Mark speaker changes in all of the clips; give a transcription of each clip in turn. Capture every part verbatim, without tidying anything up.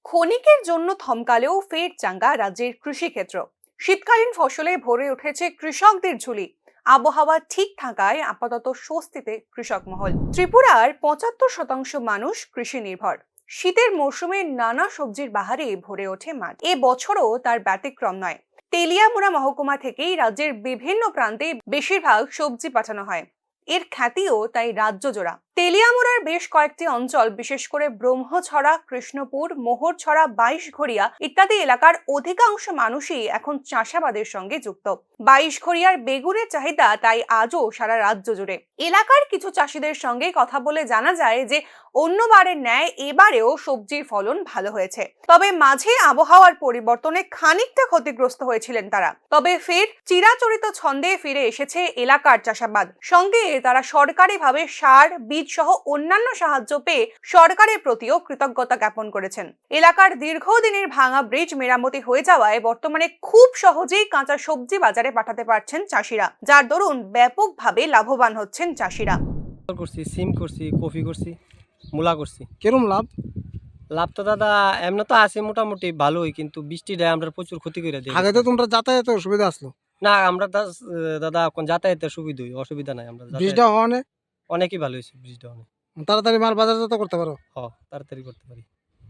Speaker 1: ক্ষণিকের জন্য থমকালেও ফের চাঙ্গা রাজ্যের কৃষিক্ষেত্র। শীতকালীন ফসলে ভরে উঠেছে কৃষকদের ঝুলি। আবহাওয়া ঠিক থাকায় আপাতত স্বস্তিতে কৃষক মহল। ত্রিপুরার পঁচাত্তর শতাংশ মানুষ কৃষি নির্ভর। শীতের মৌসুমে নানা সবজির বাহারে ভরে ওঠে মাঠ। এ বছরও তার ব্যতিক্রম নয়। তেলিয়ামুড়া মহকুমা থেকেই রাজ্যের বিভিন্ন প্রান্তে বেশিরভাগ সবজি পাঠানো হয়। এর খ্যাতিও তাই রাজ্য জোড়া। তেলিয়ামুড়ার বেশ কয়েকটি অঞ্চল, বিশেষ করে ব্রহ্মছড়া, কৃষ্ণপুর, মোহরছড়া, বাইশঘড়িয়া ইত্যাদি এলাকার অধিকাংশ মানুষই এখন চাষাবাদের সঙ্গে যুক্ত। বাইশঘড়িয়ার বেগুনের চাহিদা তাই আজও সারা রাজ্য জুড়ে। এলাকার কিছু চাষিদের সঙ্গে কথা বলে জানা যায় যে অন্যবারের ন্যায় এবারেও সবজির ফলন ভালো হয়েছে। তবে মাঝে আবহাওয়ার পরিবর্তনে খানিকটা ক্ষতিগ্রস্ত হয়েছিলেন তারা। তবে ফের চিরাচরিত ছন্দে ফিরে এসেছে এলাকার চাষাবাদ। সঙ্গে তারা সরকারিভাবে সার, বীজ সহ অন্যান্য সাহায্য পেয়ে সরকারের প্রতিও কৃতজ্ঞতা জ্ঞাপন করেছেন। এলাকার দীর্ঘদিনের ভাঙা ব্রিজ মেরামতি হয়ে যাওয়ায় বর্তমানে খুব সহজেই কাঁচা সবজি বাজারে পাঠাতে পারছেন চাষিরা, যার দরুন ব্যাপকভাবে লাভবান হচ্ছেন চাষিরা।
Speaker 2: করছি সিম করছি, কফি করছি, মূলা করছি।
Speaker 3: কিরম লাভ?
Speaker 2: লাভ তো দাদা এমনি তো আছে মোটামুটি ভালোই, কিন্তু বৃষ্টি দেয় আমরা প্রচুর ক্ষতি করে দিই।
Speaker 3: আগে তো তোমরা যাতায়াতের সুবিধা আসলো,
Speaker 2: না আমরা দা- দাদা এখন যাতায়াতের সুবিধা অসুবিধা নাই। আমরা যাতায়াত-
Speaker 3: ব্রিজটা হওয়া নেই,
Speaker 2: অনেকই ভালো হয়েছে ব্রিজটা, অনেক
Speaker 3: তাড়াতাড়ি মাল বাজারজাত করতে পারো।
Speaker 2: হ তাড়াতাড়ি করতে পারি।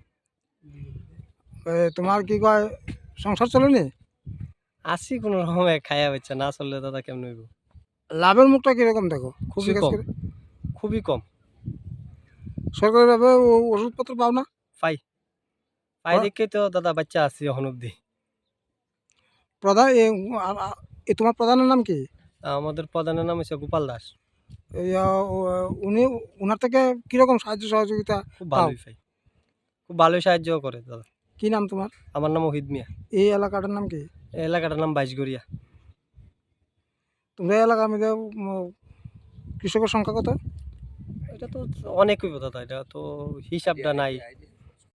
Speaker 3: এ, তোমার কি কয় সংসার চলেনি?
Speaker 2: আসি কোনো রকমে খাইয়া হচ্ছে, না চললে দাদা কেমন হইব।
Speaker 3: লাভের মুখটা কিরকম দেখো?
Speaker 2: খুবই
Speaker 3: কৃষি কাজ
Speaker 2: কম,
Speaker 3: করে।
Speaker 2: খুবই কম।
Speaker 3: সরকারিভাবে ও- ওষুধপত্র পাও না?
Speaker 2: পাই পাই
Speaker 3: আর-
Speaker 2: দেখে তো দাদা বাচ্চা আছি এখন অব্দি।
Speaker 3: প্রধান এ, আ- আ- এ, তোমার প্রধানের নাম কি?
Speaker 2: আমাদের প্রধানের নাম হচ্ছে গোপাল দাস।
Speaker 3: এই, আ, ও- উনি ওনার থেকে কিরকম সাহায্য সহযোগিতা
Speaker 2: খুব
Speaker 3: পাও?
Speaker 2: ভালোই পাই, খুব ভালোই সাহায্য করে দাদা।
Speaker 3: কি নাম তোমার?
Speaker 2: আমার নাম ওহিদ মিয়া।
Speaker 3: এই এলাকাটার নাম কি?
Speaker 2: এই এলাকাটার নাম বাইশগড়িয়া।
Speaker 3: তোমরা এই এলাকার মধ্যে উম, কৃষকের সংখ্যা কত?
Speaker 2: এটা তো অনেক হইব দাদা, এটা তো হিসাবটা নাই।